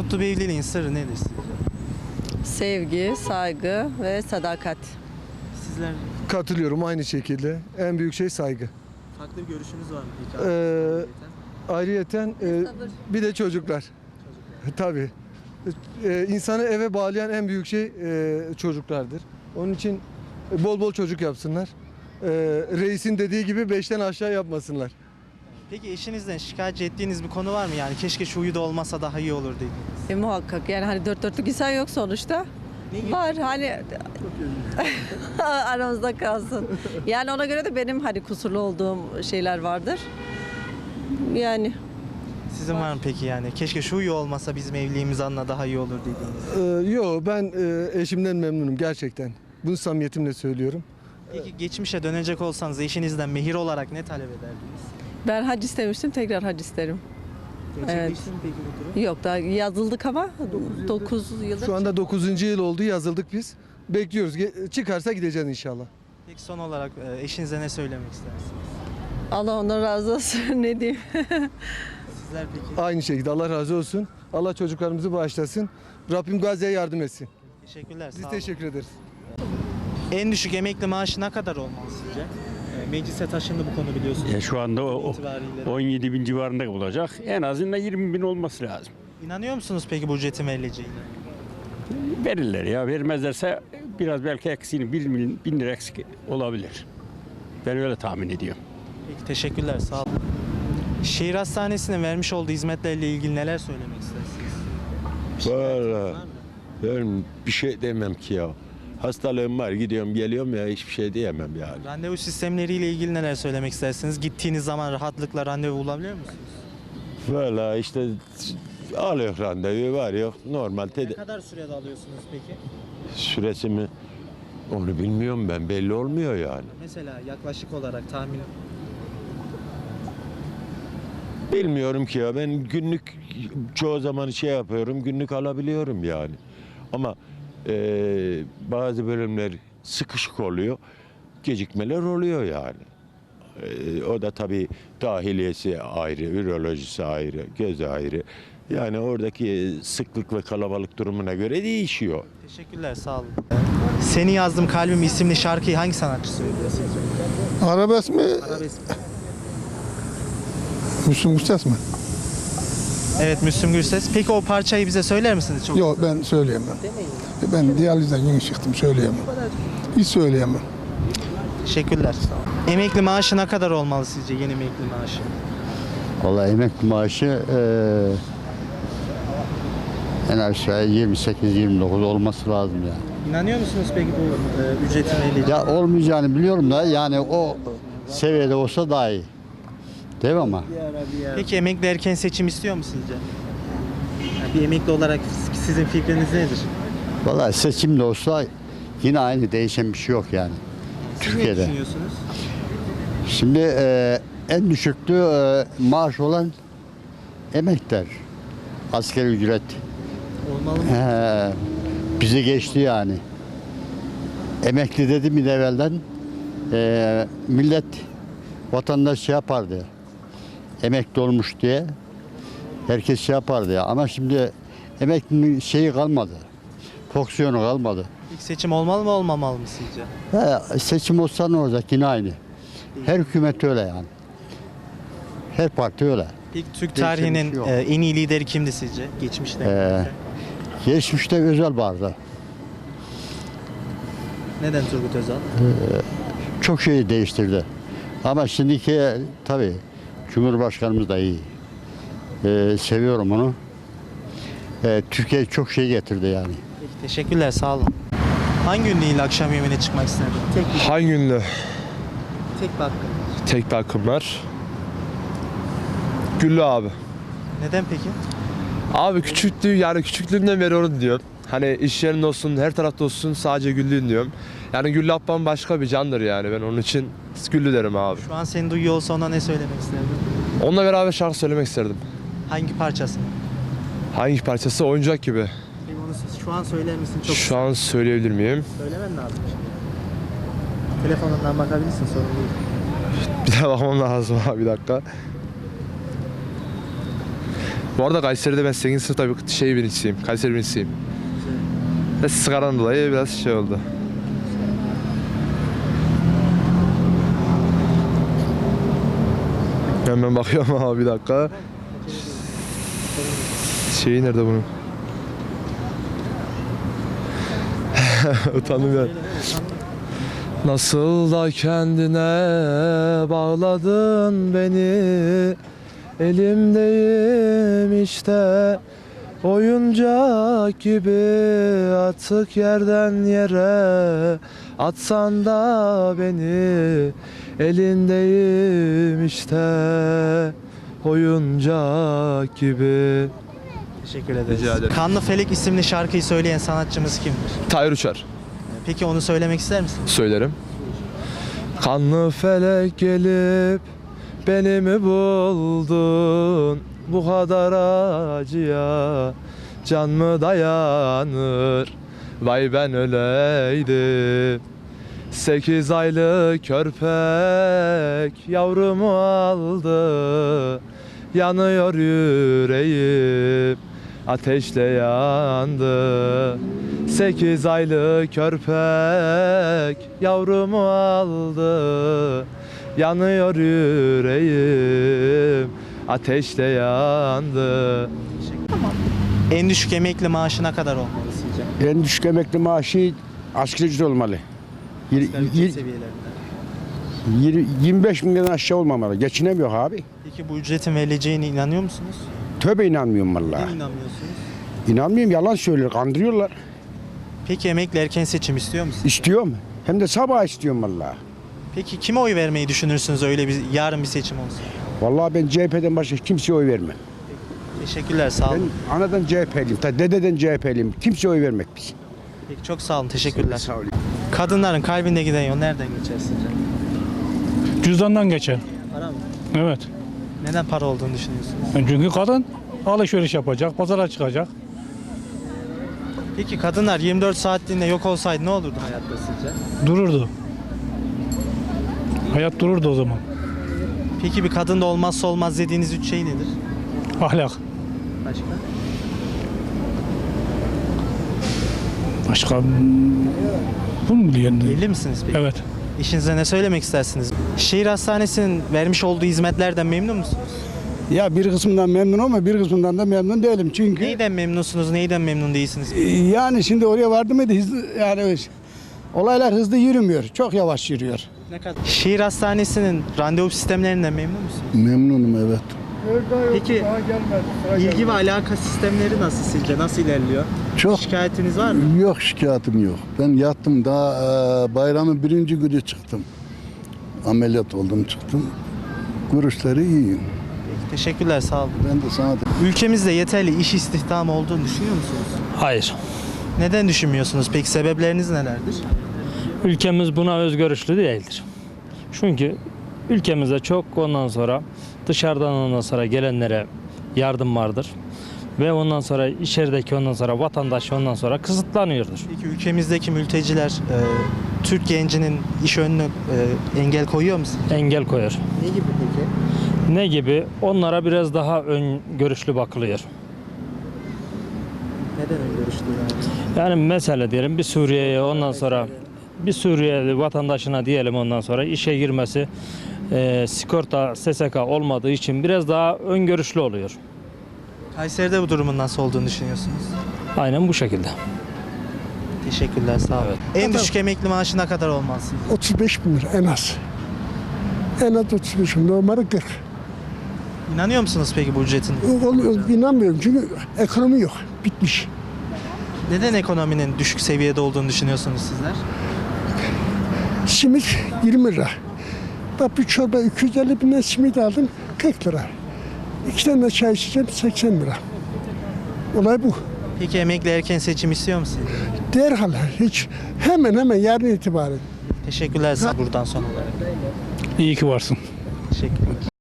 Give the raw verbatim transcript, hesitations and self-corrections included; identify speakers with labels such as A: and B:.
A: Mutlu bir evliliğin sırrı nedir sizce?
B: Sevgi, saygı ve sadakat.
A: Sizler
C: Katılıyorum aynı şekilde. En büyük şey saygı.
A: farklı bir görüşünüz var mı peki?
C: Ee, Ayrıyeten e, bir de çocuklar. Tabii. Ee, insanı eve bağlayan en büyük şey e, çocuklardır. Onun için bol bol çocuk yapsınlar. Ee, reisin dediği gibi beşten aşağı yapmasınlar.
A: Peki eşinizden şikayet ettiğiniz bir konu var mı? Yani keşke şu huyu da olmasa daha iyi olur dediğiniz.
B: E, muhakkak yani hani dört dörtlük insan yok sonuçta. Var hani aramızda kalsın. Yani ona göre de benim hani kusurlu olduğum şeyler vardır. Yani
A: Sizin var mı peki yani? Keşke şu huyu olmasa bizim evliliğimiz anla daha iyi olur dediğiniz.
C: Ee, yo ben e, eşimden memnunum gerçekten. Bunu samimiyetimle söylüyorum.
A: Peki geçmişe dönecek olsanız eşinizden mehir olarak ne talep ederdiniz?
B: ben hac istemiştim, tekrar hac isterim.
A: Gerçekleşti mi peki bu durum?
B: Yok daha yazıldık ama dokuz yıldır.
C: Şu anda dokuzuncu yıl oldu, yazıldık biz. Bekliyoruz. Ge- Çıkarsa gideceğiz inşallah.
A: Peki son olarak e, eşinize ne söylemek istersiniz?
B: Allah ondan razı olsun ne diyeyim.
A: Sizler peki?
C: Aynı şekilde Allah razı olsun. Allah çocuklarımızı bağışlasın. Rabbim Gazze'ye yardım etsin.
A: Teşekkürler.
C: Biz
A: sağ olun.
C: teşekkür ederiz.
A: En düşük emekli maaşı ne kadar olmalı sizce? E, Meclise taşındı bu konu biliyorsunuz.
D: Ya şu anda o, o
A: İtibariyle.
D: on yedi bin civarında olacak. En azından yirmi bin olması lazım.
A: İnanıyor musunuz peki bu ücretin verileceğine?
D: Verirler ya. Vermezlerse biraz belki eksiğini bir bin, bin lira eksik olabilir. Ben öyle tahmin ediyorum.
A: Peki teşekkürler sağ olun. Şehir Hastanesi'nin vermiş olduğu hizmetlerle ilgili neler söylemek istersiniz?
E: Vallahi ben bir şey demem ki ya. Hastalığım var, gidiyorum geliyorum ya, hiçbir şey diyemem yani.
A: Randevu sistemleriyle ilgili neler söylemek istersiniz? Gittiğiniz zaman rahatlıkla randevu bulabiliyor musunuz?
E: Vallahi işte alıyor randevu, var yok normal
A: Ne
E: tedavi
A: kadar sürede alıyorsunuz peki?
E: süresi mi onu bilmiyorum, ben belli olmuyor yani.
A: Mesela yaklaşık olarak tahmin.
E: Bilmiyorum ki ya, ben günlük çoğu zaman şey yapıyorum, günlük alabiliyorum yani. Ama eee, bazı bölümler sıkışık oluyor, gecikmeler oluyor yani. Eee, o da tabii dahiliyesi ayrı, ürolojisi ayrı, göz ayrı. Yani oradaki sıklık ve kalabalık durumuna göre değişiyor.
A: Teşekkürler sağ olun. Seni Yazdım Kalbim isimli şarkıyı hangi sanatçı söylüyor sizce?
F: Arabesk mi?
A: Arabesk.
F: Müslüm Gürses mi?
A: Evet Müslüm Gürses. Peki o parçayı bize söyler misiniz? Çok
F: Yok ben söyleyemem. Ben diyalizden yeni çıktım söyleyemem. Hiç söyleyemem.
A: Teşekkürler. Emekli maaşı ne kadar olmalı sizce yeni emekli maaşı?
G: Vallahi emekli maaşı eee en aşağı yirmi sekiz yirmi dokuz olması lazım yani.
A: İnanıyor musunuz peki bu e, ücretin verileceğine?
G: Ya olmayacağını biliyorum da yani o seviyede olsa daha iyi. Değil mi ama?
A: Peki emekli erken seçim istiyor mu sizce? Yani bir emekli olarak sizin fikriniz nedir?
G: Vallahi seçim de olsa yine aynı, değişen bir şey yok yani.
A: Siz ne
G: Türkiye'de.
A: düşünüyorsunuz?
G: Şimdi eee, en düşüklü eee, maaş olan emekler. Asgari ücret.
A: Olmalı mı?
G: He, bizi geçti yani. Emekli dedi mi de evvelden eee, millet vatandaş şey yapardı. Emekli olmuş diye herkes şey yapardı ya. Ama şimdi emeklinin şeyi kalmadı. Fonksiyonu kalmadı.
A: İlk seçim olmalı mı olmamalı mı sizce?
G: He, seçim olsa ne olacak yine aynı. Her hükümet öyle yani. Her parti öyle.
A: İlk Türk
G: Değişen bir
A: tarihinin
G: şey yok.
A: e, en iyi lideri kimdi sizce? Geçmişte.
G: Ee, Geçmişte Özal vardı.
A: Neden Turgut Özal?
G: Çok şeyi değiştirdi. Ama şimdiki tabii Cumhurbaşkanımız da iyi. Ee, seviyorum onu. Ee, Türkiye çok şey getirdi yani.
A: Peki, teşekkürler sağ olun. Hangi ünlü ile akşam yemeğine çıkmak isterdin? Tek bir,
H: Hangi ünlü?
A: tek bir hakkın.
H: Tek bir hakkım var. Güllü abi.
A: Neden peki?
H: Abi küçüklüğü yani küçüklüğümden beri onu diyorum. Hani iş yerinde olsun, her tarafta olsun sadece Güllü'yüm diyorum. Yani Güllü ablam başka bir candır yani, ben onun için Güllü derim abi.
A: Şu an seni duyuyor olsa ona ne söylemek isterdin?
H: Onunla beraber şarkı söylemek isterdim.
A: Hangi parçası?
H: Hangi parçası? Oyuncak gibi.
A: Peki onu şu an söyler misin? Çok
H: Şu an söyleyebilir miyim?
A: söylemen lazım şimdi. Telefonundan bakabilirsin sorun değil.
H: Bir daha bakmam lazım abi, bir dakika. Bu arada Kayseri'de ben sekizinci sınıfta bir şey birincisiyim. Kayseri birincisiyim. Ve sigaradan dolayı biraz şey oldu. Hemen bakıyorum ama bir dakika. Şeyi nerede bunun? Utandım ya. Nasıl da kendine bağladın beni, elimdeyim işte oyuncak gibi, atık yerden yere atsan da beni, elindeyim işte oyuncak gibi.
A: Teşekkür ederiz.
H: Rica ederim.
A: Kanlı Felek isimli şarkıyı söyleyen sanatçımız kimdir?
H: Tahir Uçar.
A: Peki onu söylemek ister misiniz?
H: Söylerim. Kanlı felek gelip beni mi buldun? Bu kadar acıya can mı dayanır? Vay ben öleydim. Sekiz aylık körpek yavrumu aldı. Yanıyor yüreğim, ateşle yandı. Sekiz aylık körpek yavrumu aldı. Yanıyor yüreğim, ateşle yandı.
A: En düşük emekli maaşı ne kadar olmalı sizce?
I: En düşük emekli maaşı asgari ücret olmalı. Yir-
A: Asgari ücret
I: yir-
A: seviyelerinde.
I: yir- yirmi beş binden aşağı olmamalı. Geçinemiyor abi.
A: Peki bu ücretin verileceğine inanıyor musunuz?
I: Tövbe inanmıyorum
A: Neden
I: vallahi.
A: inanmıyorsunuz?
I: İnanmıyorum, yalan söylüyor, kandırıyorlar.
A: Peki emekli erken seçim istiyor musunuz?
I: İstiyorum. Hem de sabah istiyorum vallahi.
A: Peki kime oy vermeyi düşünürsünüz öyle bir yarın bir seçim olsa?
I: Vallahi ben C H P'den başka kimseye oy vermem.
A: Teşekkürler, sağ
I: Ben
A: olun.
I: anadan C H P'liyim, ta dededen C H P'liyim. Kimseye oy vermek biz.
A: Peki çok sağ olun, teşekkürler.
I: Sağ olun.
A: Kadınların kalbinde giden yol nereden geçer sizce?
J: Cüzdandan geçer.
A: Para mı?
J: Evet.
A: Neden para olduğunu düşünüyorsunuz?
J: Çünkü kadın alışveriş yapacak, pazara çıkacak.
A: Peki kadınlar yirmi dört saatliğinde yok olsaydı ne olurdu hayatta sizce?
J: Dururdu. Hayat dururdu o zaman.
A: Peki bir kadında olmazsa olmaz dediğiniz üç şey nedir?
J: Ahlak.
A: Başka?
J: Başka bunu mu diyelim?
A: Evli misiniz peki?
J: Evet.
A: İşinize ne söylemek istersiniz? Şehir Hastanesi'nin vermiş olduğu hizmetlerden memnun musunuz?
F: Ya bir kısmından memnunum ama bir kısmından da memnun değilim. Çünkü
A: Neyden memnunsunuz, neyden memnun değilsiniz?
F: yani şimdi oraya vardım mıydı hızlı, yani olaylar hızlı yürümüyor. Çok yavaş yürüyor.
A: Ne kadar? Şehir Hastanesi'nin randevu sistemlerinden memnun musunuz?
F: Memnunum evet.
A: Peki ilgi ve alaka sistemleri nasıl sizce? Nasıl ilerliyor?
F: Çok
A: Şikayetiniz var mı?
F: yok, şikayetim yok. Ben yattım daha e, bayramın birinci günü çıktım. Ameliyat oldum çıktım. Görüşleri iyi.
A: Teşekkürler, sağ olun.
F: Ben de sana
A: Ülkemizde yeterli iş istihdamı olduğunu düşünüyor musunuz?
K: Hayır.
A: Neden düşünmüyorsunuz? Peki sebepleriniz nelerdir?
K: Ülkemiz buna özgörüşlü değildir. Çünkü ülkemizde çok ondan sonra dışarıdan ondan sonra gelenlere yardım vardır. Ve ondan sonra içerideki ondan sonra vatandaş ondan sonra kısıtlanıyordur.
A: Peki ülkemizdeki mülteciler e, Türk gencinin iş önüne e, engel koyuyor mu? sizce?
K: Engel koyar.
A: Ne gibi peki?
K: Ne gibi? Onlara biraz daha ön görüşlü bakılıyor.
A: Neden öngörüşlüler?
K: Yani mesela diyelim bir Suriye'ye ondan sonra bir Suriyeli vatandaşına diyelim ondan sonra işe girmesi e, sigorta S S K olmadığı için biraz daha öngörüşlü oluyor.
A: Kayseri'de bu durumun nasıl olduğunu düşünüyorsunuz?
K: Aynen bu şekilde.
A: Teşekkürler, sağ olun. En düşük emekli maaşı ne kadar olmaz?
F: otuz beş bin lira en az. En az otuz beş bin, normalde kırk.
A: İnanıyor musunuz peki bu ücretin?
F: İnanmıyorum çünkü ekonomi yok. Bitmiş.
A: Neden ekonominin düşük seviyede olduğunu düşünüyorsunuz sizler?
F: Simit yirmi lira. Bak bir çorba iki yüz elli binden simit aldım kırk lira. İki tane de çay içeceğim seksen lira. Olay bu.
A: Peki emekli erken seçim istiyor musunuz?
F: Derhal hiç hemen hemen yarın itibaren.
A: Teşekkürler size buradan son olarak.
J: İyi ki varsın.
A: Teşekkürler.